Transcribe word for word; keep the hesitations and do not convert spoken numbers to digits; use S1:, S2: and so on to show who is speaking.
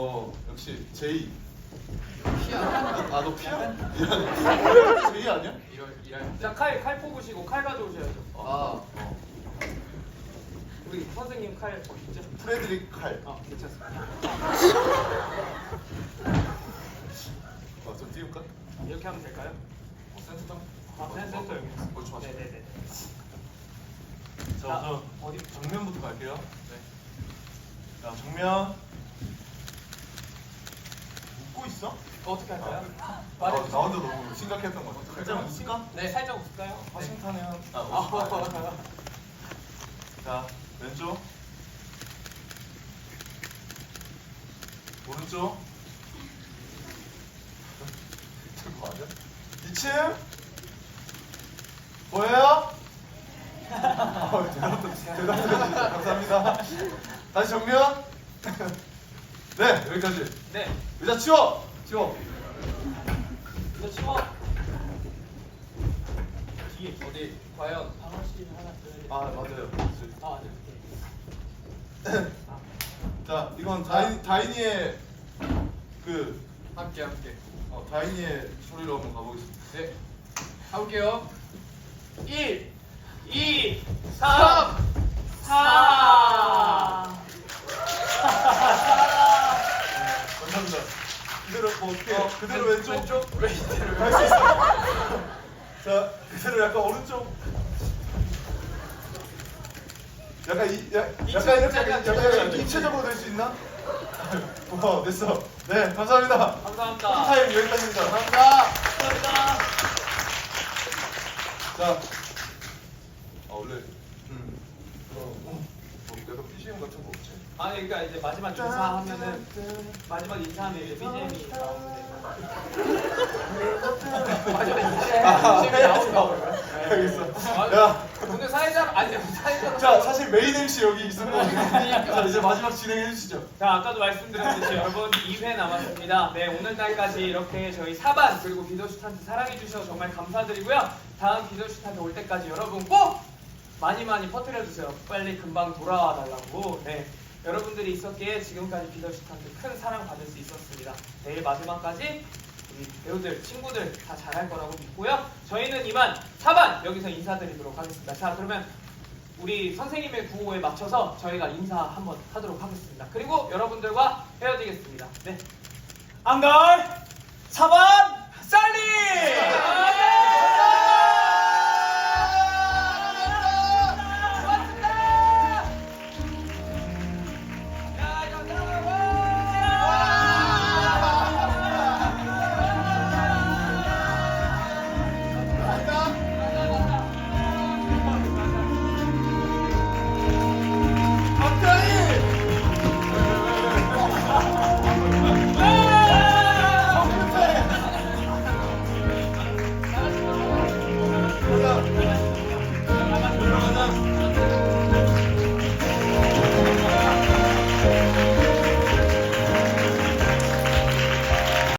S1: 어 역시 제이.
S2: 피야.
S1: 아 너 피야? 제이 아니야?
S2: 이럴 이럴.
S3: 자, 칼, 칼 뽑으시고 칼 가져오셔야죠.
S2: 아.
S1: 어.
S3: 우리 선생님 칼 어디 있죠?
S1: 프레드릭 칼.
S3: 아, 괜찮습니다.
S1: 어, 좀 띄울까?
S3: 이렇게 하면 될까요?
S1: 어, 센터 좀.
S3: 아, 센- 센터 여기 있습니다.
S1: 어, 좋아, 좋아.
S3: 네네네.
S1: 자,
S3: 자,
S1: 우선
S3: 어디?
S1: 정면부터 갈게요.
S2: 네.
S1: 자, 정면. 웃고 있어?
S3: 어떻게 할까요?
S1: 아,
S3: 말해주세요.
S1: 나 혼자 너무 심각했던 것 같아. 살짝 웃을까?
S3: 네, 살짝 웃을까요?
S1: 화싱턴에 한. 아,
S3: 아,
S1: 웃을까? 자, 왼쪽. 오른쪽. 저거 아니야? 이 층. 보여요? 어, 대답도 대답도 해주셔서 감사합니다. 다시 정면. 네, 여기까지.
S3: 네.
S1: 의자 치워. 치워.
S3: 이거 치워.
S2: 뒤에 어디 과연
S3: 방어실 하나 들어야
S1: 아, 맞아요.
S3: 아, 네.
S1: 자, 이건 다인 다인이의 그
S2: 함께 함께.
S1: 어, 다인이의 소리로 한번 가보겠습니다.
S2: 네. 가볼게요.
S3: 일, 이, 삼, 사.
S1: 감사합니다. 그대로 뭐 어떻게
S2: 어,
S1: 그대로
S2: 왼-
S1: 왼쪽
S2: 왼쪽 왜 이대로
S1: 갈 수 있어. 자, 그대로 약간 오른쪽. 약간 이 야, 약간 이렇게
S2: 입체적으로
S1: 약간
S2: 약간
S1: 약간 입체적으로 될 수 있나? 와, 됐어. 네, 감사합니다.
S3: 감사합니다.
S1: 타임 여기까지입니다.
S2: 감사합니다.
S3: 감사합니다.
S1: 자, 아 원래 음, 어, 뭐 약간 비지엠 같은 거 없지?
S3: 아니, 그러니까 이제 마지막 인사하면은 마지막 인사하면 이제 비지엠이 나오는데. 마지막 인사에 비지엠이 나온다고요?
S1: 알겠어. 야,
S3: 오늘 사회자 아니 사회자.
S1: 자 사실 메인 엠씨 여기 있었거든자 이제 마지막 진행해 주시죠.
S3: 자, 아까도 말씀드렸듯이 여러분 이 회 남았습니다. 네, 오늘날까지 이렇게 저희 사반 그리고 비더슈탄트 사랑해 주셔서 정말 감사드리고요. 다음 비더슈탄트 올 때까지 여러분 꼭 많이 많이 퍼뜨려 주세요. 빨리 금방 돌아와 달라고. 네, 여러분들이 있었기에 지금까지 비더슈탄트 큰 사랑 받을 수 있었습니다. 내일 마지막까지 우리 배우들, 친구들 다 잘할 거라고 믿고요. 저희는 이만 사반 여기서 인사드리도록 하겠습니다. 자, 그러면 우리 선생님의 구호에 맞춰서 저희가 인사 한번 하도록 하겠습니다. 그리고 여러분들과 헤어지겠습니다. 네. 안갈 사반 살리!